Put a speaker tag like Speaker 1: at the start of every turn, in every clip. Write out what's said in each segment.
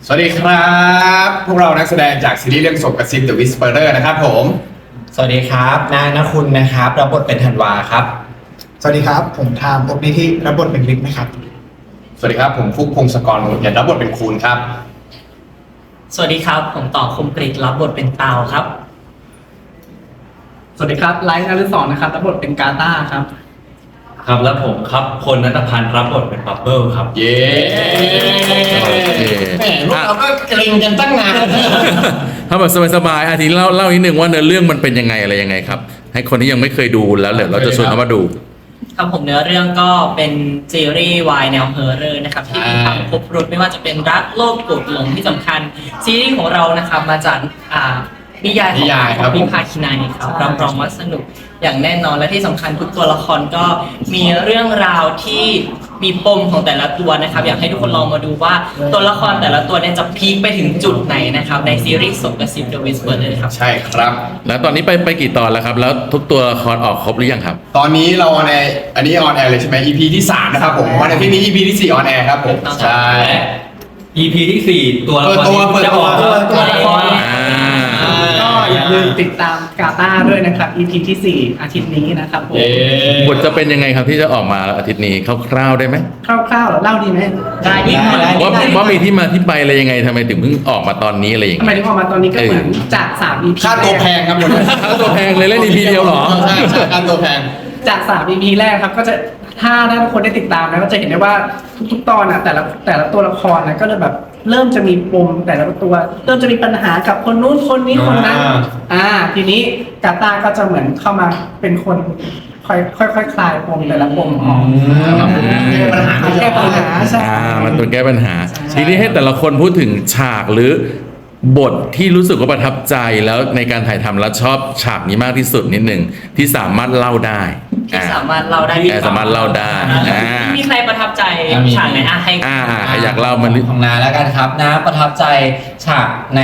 Speaker 1: สวัสดีครับพวกเรานักแสดงจากซีรีส์เรื่องศพกระซิบ The Whisperer นะครับผม
Speaker 2: สวัสดีครับนายณคุณนะครับรับบทเป็นธันวาครับ
Speaker 3: สวัสดีครับผมทามพบนิธิรับบทเป็นฤทธิ์นะครับ
Speaker 1: สวัสดีครับผมฟุกพงศกรหมุนยันรับบทเป็นคูณครับ
Speaker 4: สวัสดีครับผมต่อคมกริตรับบทเป็นเตาครับ
Speaker 5: สวัสดีครับไลท์นฤศรนะครับรับบทเป็นกาตาครับ
Speaker 6: ครับแล้วผมครับพลณัฐพันธ์รับบทเป็นบับเบิ้ลครับ
Speaker 1: เย้แหมพวกเราก็เกรงกันตั้งนาน
Speaker 7: ถ้าแบบสบายๆทีนี้เล่านิดนึงว่าเนื้อเรื่องมันเป็นยังไงอะไรยังไงครับให้คนที่ยังไม่เคยดูแล้วเดี๋ยวเราจะชวนเขามาดู
Speaker 4: ครับผมเนื้อเรื่องก็เป็นซีรีส์วายแนวเฮอร์เรอร์นะครับที่มีความครบรสไม่ว่าจะเป็นรักโลภโกรธหลงที่สำคัญซีรีส์ของเรานะครับมาจากนิยายของพิมพาคินัยครับรับรองว่าสนุกอย่างแน่นอนและที่สำคัญทุกตัวละครก็มีเรื่องราวที่มีปมของแต่ละตัวนะครับอยากให้ทุกคนลองมาดูว่าตัวละครแต่ละตัวเนี่ยจะพีคไปถึงจุดไหนนะครับในซีรีส์ศพกระซิบ The Whisperer เลยครับ
Speaker 1: ใช่ครับ
Speaker 7: แล้วตอนนี้ไปกี่ตอนแล้วครับแล้วทุกตัวละครออกครบหรือยังครับ
Speaker 1: ตอนนี้เราในอันนี้ออนแอร์เลยใช่ไหม EP ที่3นะครับผมวันอาทิตย์นี้ EP ที่4ออนแอร์ครับผมใช่
Speaker 6: EP ที่4ตัวละคร
Speaker 1: เปิดตัว
Speaker 5: ละครก็อย่าลืมติดตามกาตาด้วยนะครับ EP ที่4อาทิตย์นี้นะครับผม
Speaker 7: บทจะเป็นยังไงครับที่จะออกมาอาทิตย์นี้คร่าวๆได้ไหม
Speaker 5: คร่าวๆเล่าดีไหม
Speaker 4: ได้
Speaker 7: ว่ามีที่มาที่ไปอะไรยังไงทำไมถึงเพิ่งออกมาตอนนี้อะไรอย่าง
Speaker 5: ทำ
Speaker 7: เงี้ย
Speaker 5: ไมถึงออกมาตอนนี้ก็เหมือนจาก3 EP
Speaker 1: ค่าตัวแพงครับผม
Speaker 7: ค่าตัวแพงเลยเล่น EP เดียวเหรอ
Speaker 1: ใช่ค่าตัวแพง
Speaker 5: จาก3 EP แรกครับก็จะถ้าทุกคนได้ติดตามนะก็จะเห็นได้ว่าทุกๆตอนแต่ละตัวละครนะก็จะแบบเริ่มจะมีปมแต่ละตัวเริ่มจะมีปัญหากับคนนู้นคนนี้คนนั้นทีนี้กาตาก็จะเหมือนเข้ามาเป็นคนค่อยคลายปมแต่ละปมออกแก้ปัญหาใช่
Speaker 7: มันตัวแก้ปัญหาทีนี้ให้แต่ละคนพูดถึงฉากหรือบทที่รู้สึกว่าประทับใจแล้วในการถ่ายทำแล้วชอบฉากนี้มากที่สุดนิดหนึ่งที่สามารถเล่าได้
Speaker 4: สามารถเล่าได้
Speaker 7: สามารถเล่าได้
Speaker 4: มีใครประทับใจฉากไหนให้
Speaker 7: ใครอยากเล่ามัน
Speaker 2: ของน้าแล้วกันครับน้าประทับใจฉากใน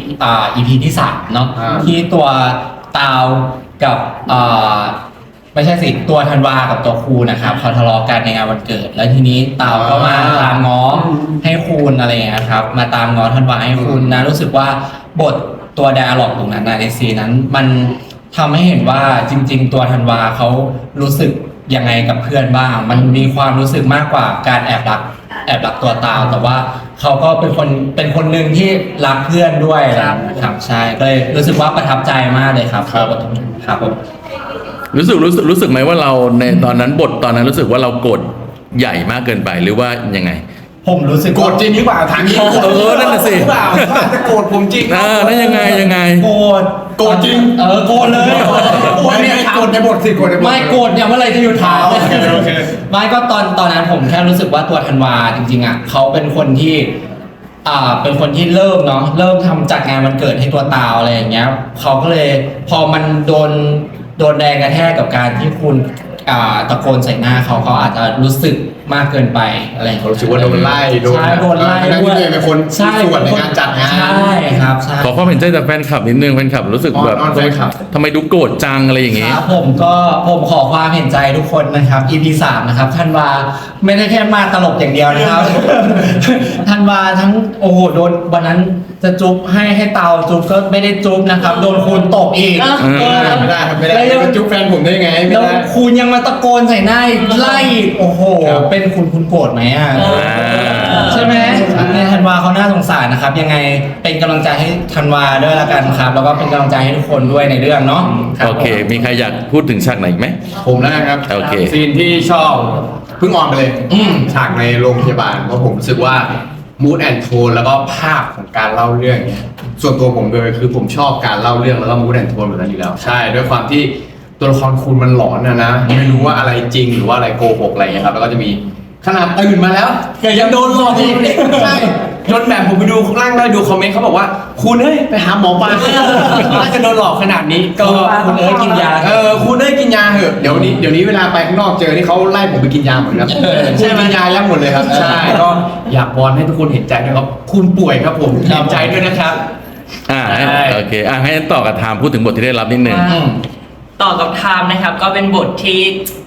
Speaker 2: EP ที่3เนาะที่ตัวตาวกับไม่ใช่สิตัวธันวากับตัวคูณนะครับเขาทะเลาะกันในงานวันเกิดแล้วทีนี้ตาวก็มาตามง้อให้คูณอะไรอย่างเงี้ยครับมาตามง้อธันวาให้คูณนะรู้สึกว่าบทตัวไดอะล็อกตรงนั้นในซีนั้นมันทำให้เห็นว่าจริงๆตัวธันวาเขารู้สึกยังไงกับเพื่อนบ้างมันมีความรู้สึกมากกว่าการแอบรักตัวตาวแต่ว่าเขาก็เป็นคนหนึ่งที่รักเพื่อนด้วยครับใช่ก็เลยรู้สึกว่าประทับใจมากเลยครับครับผม
Speaker 7: รู้สึกไหมว่าเราในตอนนั้นบทตอนนั้นรู้สึกว่าเรากดใหญ่มากเกินไปหรือว่ายังไง
Speaker 2: ผมรู้สึก
Speaker 1: โกรธจริงหรือเปล่าถามนี้
Speaker 7: นั่นน่ะสิ
Speaker 1: หรือเปล่าจะโกรธผมจริง
Speaker 7: นั่นยังไง
Speaker 2: โกรธจริงโกรธเลย
Speaker 1: โกรธเนี่ยโกรธในบทสิโกรธในบท
Speaker 2: ไม่โกรธเนี่ยเมื่อไรจะหยุดถามไม่ก็ตอนนั้นผมแค่รู้สึกว่าตัวธันวาจริงๆอ่ะเขาเป็นคนที่เป็นคนที่เริ่มทำจัดงานวันเกิดให้ตัวตาวอะไรอย่างเงี้ยเขาก็เลยพอมันโดนแรงกระแทกกับการที่คุณตะโกนใส่หน้าเขาอาจจะรู้สึกมากเกินไปอะไร
Speaker 1: เขารู้สึกว่าโดนไล่
Speaker 2: โดนไล่
Speaker 1: ด้วยเป็นคนส่วนในการจัดงาน
Speaker 2: ใช่ครับใช่
Speaker 7: ขอความเห็นใจจากแฟนคลับนิดนึงแฟนคลับรู้สึกแบบทำไมดูโกรธจังอะไรอย่างเงี้ย
Speaker 2: ผมขอความเห็นใจทุกคนนะครับ EP 3นะครับธันวาไม่ได้แค่มาตลกอย่างเดียวนะครับธันวาทั้งโอ้โหโดนวันนั้นจะจุ๊บให้เตาจุ๊บก็ไม่ได้จุ๊บนะครับโดนคูณตกอีก
Speaker 1: ไม่ได้จุ๊บแฟนผมได้ไงไม่ได้
Speaker 2: คูณยังมาตะโกนใส่หน้าไล่โอ้โหเป็นคุณโกรธไหมใช่ไหมในธันวาเขาน่าสงสารนะครับยังไงเป็นกำลังใจให้ธันวาด้วยละกันครับแล้วก็เป็นกำลังใจให้ทุกคนด้วยในเรื่องเนาะ
Speaker 7: โอเคมีใครอยากพูดถึงฉากไหนไหม
Speaker 1: ผมแล้วครับ
Speaker 7: โอเค
Speaker 1: ซีนที่ชอบเพิ่งออนไปเลยฉากในโรงพยาบาลเพราะผมรู้สึกว่ามูดแอนด์โทนแล้วก็ภาพของการเล่าเรื่องเนี่ยส่วนตัวผมโดยคือผมชอบการเล่าเรื่องแล้วก็มูดแอนด์โทนแบบนั้นอยู่แล้วใช่ด้วยความที่ตัวละครคุณมันหลอนนะไม่รู้ว่าอะไรจริงหรือว่าอะไรโกหกอะไรเงี้ยครับแล้วก็จะมีขนาดตื่นมาแล้วแต่ยังโดนหลอกอีกใช่จนแบบผมไปดูข้างล่างได้ดูคอมเมนต์เขาบอกว่าคุณเฮ้ยไปหาหมอปลาน่าจะโดนหลอกขนาดนี้ก็
Speaker 2: คุณกินยา
Speaker 1: คุณกินยาเหอะเดี๋ยวนี้เวลาไปข้างนอกเจอที่เขาไล่ผมไปกินยาเหมือนกันคุณกินยายับหมดเลยครับใช่ก็อยากวอนให้ทุกคนเห็นใจด้วยครับคุณป่วยครับผมเห็นใจด้วยนะครับ
Speaker 7: โอเคให้ต่อกับไทม์พูดถึงบทที่ได้รับนิดนึง
Speaker 4: ต่อกับไทม์นะครับก็เป็นบทที่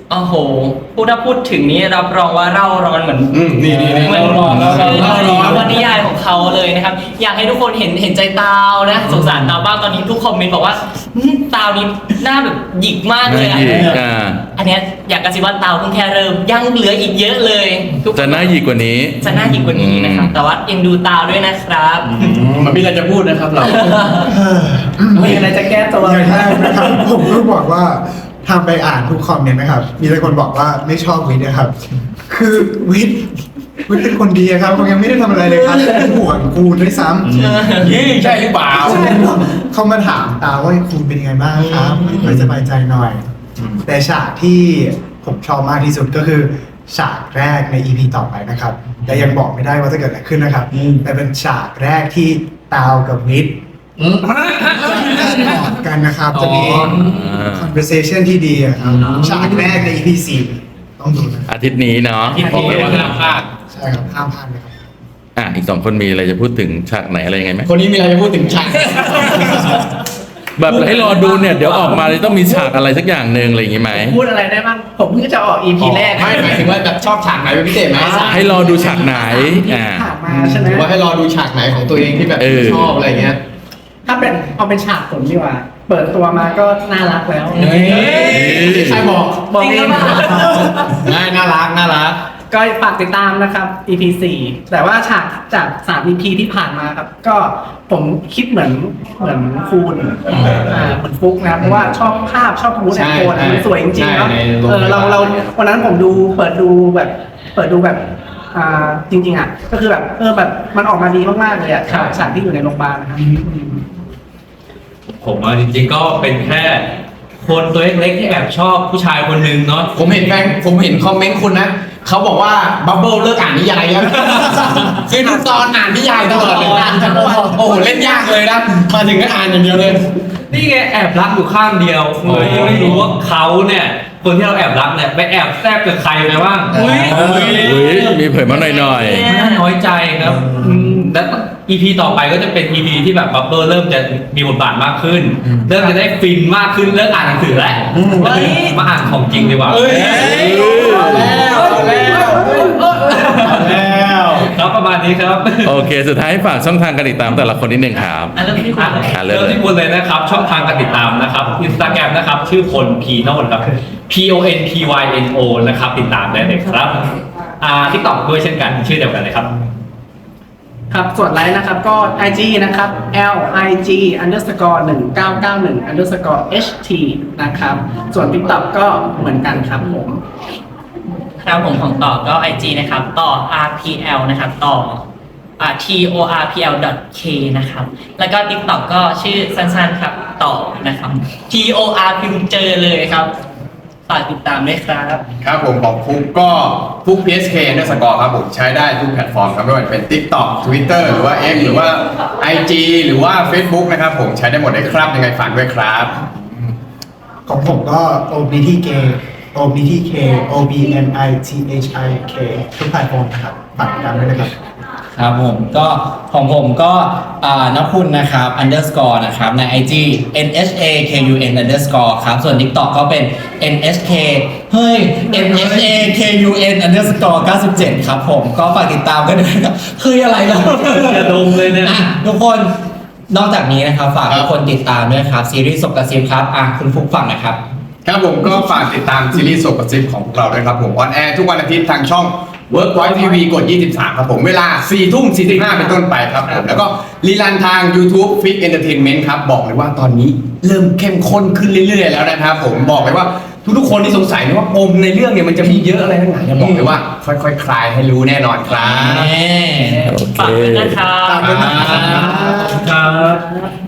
Speaker 4: โอ้โหถ้าพูดถึงนี้รับรองว่าเร่าร้อนเหมือน
Speaker 1: นี่
Speaker 4: เหมือน
Speaker 1: เล่าร้อน
Speaker 4: วันนิยายของเขาเลยนะครับ อยากให้ทุกคนเห็นใจตาวนะสงสารตาวบ้างตอนนี้ทุกคอมเมนต์บอกว่าตาวนี้หน้าแบบหยิกมากเลย
Speaker 7: หน้าหยิกอ่า
Speaker 4: อันเนี้ยอยากกระซิบว่าตาวเพิ่งแค่เริ่มยังเหลืออีกเยอะเลยทุกคน
Speaker 7: จะน่าหยิกกว่านี้
Speaker 4: จะน่าหยิกกว่านี้นะครับ แต่ว่ายังดูตาวด้วยนะครับ
Speaker 1: มันมีอะไรจะพูดนะครับเรา
Speaker 5: มีอะไรจะแก้ตัว
Speaker 3: อ
Speaker 5: ไหม
Speaker 3: ย่างแรกนะครับ ผมก็บอกว่าทำไปอ่านทุกคอมเมนต์นะครับ มีแต่คนบอกว่าไม่ชอบวิทย์นะครับ คือวิทย์เป็นคนดีอะครับเขายังไม่ได้ทำอะไรเลยครับเป็นห่วงกูด้วยซ้ำ
Speaker 1: ยี่ใช่หรือเปล่า
Speaker 3: เขามาถามตาว่าคุณเป็นยังไงบ้างครับไม่สบายใจหน่อย แต่ฉากที่ผมชอบมากที่สุดก็คือฉากแรกใน EP ต่อไปนะครับ แต่ยังบอกไม่ได้ว่าจะเกิดอะไรขึ้นนะครับ แต่เป็นฉากแรกที่ตาวกับวิทย์กอดกันนะครับ จะมี conversation ที่ดีอะครับฉากแรกใน EP 4ต้องดูนะ
Speaker 7: อาทิตย์นี้เนาะ
Speaker 1: บอกเลยว่าห้ามพลาด
Speaker 3: ใช่ครับห้ามพลาดเลยครับ
Speaker 7: อีก2คนมีอะไรจะพูดถึงฉากไหนอะไรยังไงไหม
Speaker 1: คนนี้มีอะไรจะพูดถึงฉาก
Speaker 7: แบบให้รอดูเนี่ยเดี๋ยวออกมาเลยต้องมีฉากอะไรสักอย่างหนึ่งอะไรอย่างงี้ไหม
Speaker 5: พูดอะไรได้บ้างผมเพิ่งจะออก EP แรก
Speaker 1: ไม่หมายถึงว่าแบบชอบฉากไหนเป็นพิเศษไหม
Speaker 7: ให้รอดูฉากไหน
Speaker 5: ที่ผ่านมาใช่ไหม
Speaker 1: หรือว่าให้รอดูฉากไหนของตัวเองที่แบบ
Speaker 7: เออ
Speaker 1: ชอบอะไรเงี้ย
Speaker 5: ถ้าเป็นเอาเป็นฉากผมดีกว่า เปิดตัวมาก็น่ารักแล้ว
Speaker 1: ใครบอก
Speaker 5: บอก
Speaker 4: จริง
Speaker 5: เอ
Speaker 4: หรื
Speaker 5: ง
Speaker 4: อเปล่า
Speaker 1: ง่ายน่ารักน่ารัก
Speaker 5: ก็ฝากติดตามนะครับ EP 4แต่ว่าฉากจาก3 EP ที่ผ่านมาครับ ก็ผมคิดเหมือนคูณเหมือนฟุกนะเพราะว่าชอบภาพชอบมูดแอนโทนมันสวยจริงๆเนาะ
Speaker 1: ใช่ในโรง
Speaker 5: เราวันนั้นผมเปิดดูแบบจริงๆอ่ะก็คือแบบแบบมันออกมาดีมากๆเลยอ่ะฉากที่อยู่ในโรงพยาบาลนะครับ
Speaker 6: ผมว่าจริงๆก็เป็นแค่คนตัวเล็กๆที่แอบชอบผู้ชายคนหนึ่งเนาะ
Speaker 1: ผมเห็นคอมเมนต์คุณนะเขาบอกว่าบับเบิ้ลเลิกอ่านนิยายแล้ว คือทุกตอนอ่านนิยายตลอดเลยอ่านทั้งวันโอ้โหเล่นยากเลยนะมาถึงก็อ่านอย่างเดียวเลย
Speaker 6: นี่ไงแอบรักอยู่ข้างเดียวเลยยังไม่รู้ว่าเขาเนี่ยคนที่เราแอบรักเนี่ยไปแอบแซบกับใครไปบ้างอุ้ย
Speaker 7: อุ๊ยมีเผยมาหน่อย
Speaker 6: น่าน้อยใจครับและ EP ต่อไปก็จะเป็น EP ที่แบบบับเบิ้ลเริ่มจะมีบทบาทมากขึ้น เริ่มจะได้ฟินมากขึ้นเลิกอ่านหนังสือแล้วมาอ่านของจริงดีกว่า ครับประมาณนี้ครับ
Speaker 7: ๆ โอเค สุดท้ายฝากช่องทางการติดตามแต่ละคนนิดนึงครับ
Speaker 4: เริ่มที่คุณเลย
Speaker 7: เริ่
Speaker 6: เริ่
Speaker 7: ม
Speaker 6: ม
Speaker 7: เลย
Speaker 6: ที่คุณเลยนะครับ ช่องทางการติดตามนะครับ Instagram นะครับ ชื่อพล P ทั้งหมดครับ PONPYNO นะครับ ติดตามได้เลยครับTikTok ด้วยเช่นกันชื่อเดียวกันเลยครับ
Speaker 5: ครับส่วนไลน์นะครับก็ IG นะครับ LIG_1991_HT นะครับ ส่วน TikTok ก็เหมือนกันครับผม
Speaker 4: ครับผมของต่อก็ IG นะครับต่อ RPL นะครับต่อTORPL.K นะครับแล้วก็ TikTok ก็ชื่อสั้นๆครับต่อนะครับ TOR พิมพ์เจอเลยครับฝากติดตามด้วยครับ
Speaker 1: ครับผมของฟุกก็ฟุก PSK เนี่ยสกอร์ครับผมใช้ได้ทุกแพลตฟอร์มครับไม่ว่าจะเป็น TikTok Twitter หรือว่า X หรือว่า IG หรือว่า Facebook นะครับผมใช้ได้หมดเลยครับยังไงฝากด้วยครับ
Speaker 3: ของผมก็ OBTK OBNITHIK ทุกแพลตฟอร์มนะครับฝากติดตามด้วยนะครับ
Speaker 2: ครับผมก็ของผมก็นคุณนะครับ underscore นะครับใน IG NHAKUN underscore ครับส่วน TikTok ก็เป็น NHK เฮ้ย NHAKUN underscore 97 ครับผมก็ฝากติดตามกันด้วยนะครับเฮ้ยอะไรแล้ว
Speaker 6: อย่าดมเลยเนี่ย
Speaker 2: ทุกคนนอกจากนี้นะครับฝากทุกคนติดตามด้วยครับซีรีส์ศพกระซิบครับคุณฟุกฟังนะครับ
Speaker 1: ครับผมก็ฝากติดตามซีรีส์ศพกระซิบของพวกเราด้วยครับผมออนแอร์ทุกวันอาทิตย์ทางช่อง Workpoint TV กด 23 ครับผมเวลา 4:45 เป็นต้นไปครับผมแล้วก็รีลันทาง YouTube Fit Entertainment ครับบอกเลยว่าตอนนี้เริ่มเข้มข้นขึ้นเรื่อยๆแล้วนะครับผมบอกเลยว่าทุกๆคนที่สงสัยนะว่าปมในเรื่องเนี่ยมันจะมีเยอะอะไรทั้งหลายเนี่ยบอกเลยว่าค่อยๆคลายให้รู้แน่นอนครับ
Speaker 7: โอเค
Speaker 4: ฝากด้วยนะครับ
Speaker 3: ฝากด้วยนะครับ
Speaker 6: ครับ